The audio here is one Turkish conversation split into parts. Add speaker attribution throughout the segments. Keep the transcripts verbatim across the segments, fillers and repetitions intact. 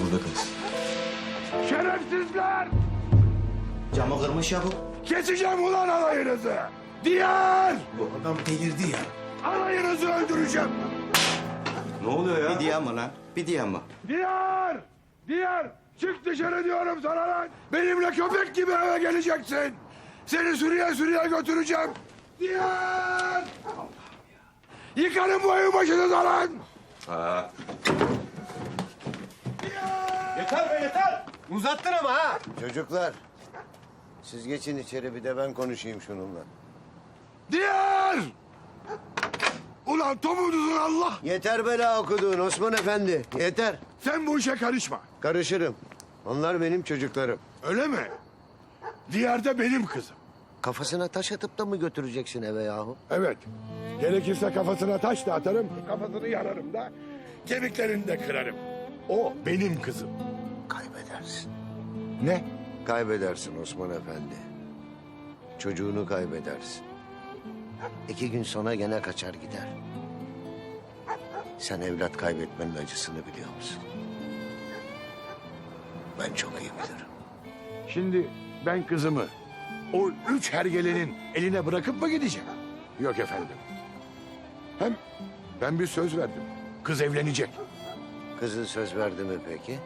Speaker 1: burada kalsın.
Speaker 2: Şerefsizler!
Speaker 3: Camı kırmış ya bu.
Speaker 2: Keseceğim ulan alayınızı! Diğer!
Speaker 3: Bu adam delirdi ya.
Speaker 2: Alayınızı öldüreceğim!
Speaker 1: Ne oluyor ya?
Speaker 3: Bir diyen mi lan? Bir diyen mi?
Speaker 2: Diğer! Diğer! Çık dışarı diyorum sana lan! Benimle köpek gibi eve geleceksin! Seni sürüye sürüye götüreceğim! Diğer! Yıkarım bu evin başını da lan!
Speaker 1: Ha.
Speaker 4: Yeter be yeter. Uzattın ama ha.
Speaker 5: Çocuklar, siz geçin içeri bir de ben konuşayım şununla.
Speaker 2: Diğer! Ulan tomuduzun Allah!
Speaker 5: Yeter bela okuduğun Osman Efendi, yeter.
Speaker 2: Sen bu işe karışma.
Speaker 5: Karışırım. Onlar benim çocuklarım.
Speaker 2: Öyle mi? Diğer de benim kızım.
Speaker 5: Kafasına taş atıp da mı götüreceksin eve yahu?
Speaker 2: Evet. Gerekirse kafasına taş da atarım, kafasını yararım da, kemiklerini de kırarım. O benim kızım.
Speaker 5: Kaybedersin.
Speaker 2: Ne?
Speaker 5: Kaybedersin Osman Efendi. Çocuğunu kaybedersin. İki gün sonra gene kaçar gider. Sen evlat kaybetmenin acısını biliyor musun? Ben çok iyi bilirim.
Speaker 2: Şimdi ben kızımı o üç hergelenin eline bırakıp mı gideceğim? Yok efendim. Hem ben bir söz verdim. Kız evlenecek.
Speaker 5: Kızın söz verdi mi peki?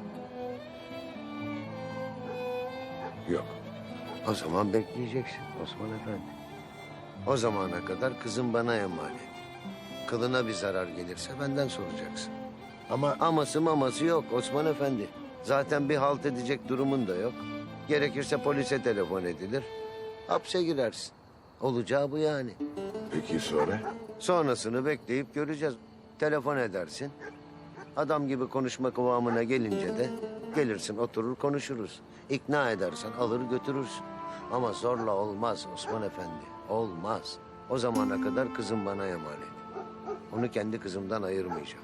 Speaker 2: Yok.
Speaker 5: O zaman bekleyeceksin Osman Efendi. O zamana kadar kızım bana emanet. Kılına bir zarar gelirse benden soracaksın.
Speaker 2: Ama
Speaker 5: Aması maması yok Osman Efendi. Zaten bir halt edecek durumun da yok. Gerekirse polise telefon edilir. Hapse girersin. Olacağı bu yani.
Speaker 2: peki sonra?
Speaker 5: Sonrasını bekleyip göreceğiz. Telefon edersin. Adam gibi konuşma kıvamına gelince de gelirsin oturur konuşuruz. İkna edersen alır götürürsün. Ama zorla olmaz Osman Efendi. Olmaz. O zamana kadar kızım bana emanet. Onu kendi kızımdan ayırmayacağım.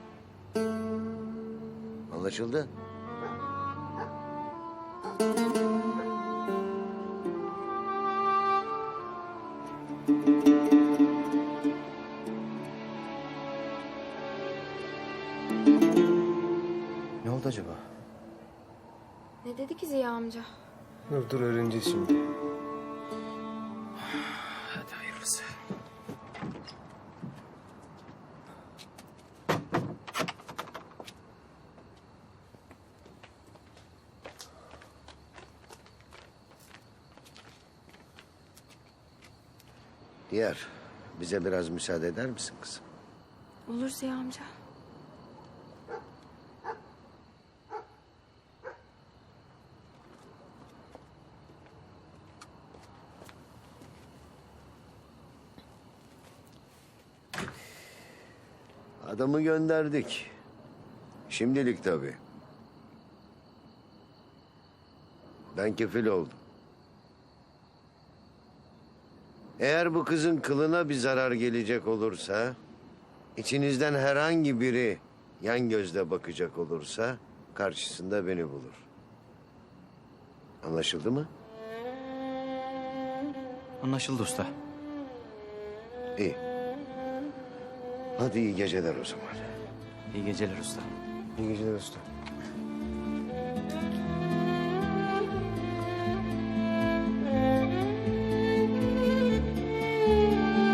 Speaker 5: Anlaşıldı?
Speaker 4: Ne oldu acaba?
Speaker 6: Ne dedi ki Ziya amca?
Speaker 4: Dur dur öğreneceğiz şimdi.
Speaker 1: Hadi hayırlısı.
Speaker 5: Diğer, bize biraz müsaade eder misin kızım?
Speaker 6: Olur Ziya amca.
Speaker 5: Adamı gönderdik. Şimdilik tabii. Ben kefil oldum. Eğer bu kızın kılına bir zarar gelecek olursa... ...içinizden herhangi biri yan gözle bakacak olursa... ...karşısında beni bulur. Anlaşıldı mı?
Speaker 3: Anlaşıldı usta.
Speaker 5: İyi. Hadi iyi geceler o zaman.
Speaker 3: İyi geceler usta.
Speaker 4: İyi geceler usta.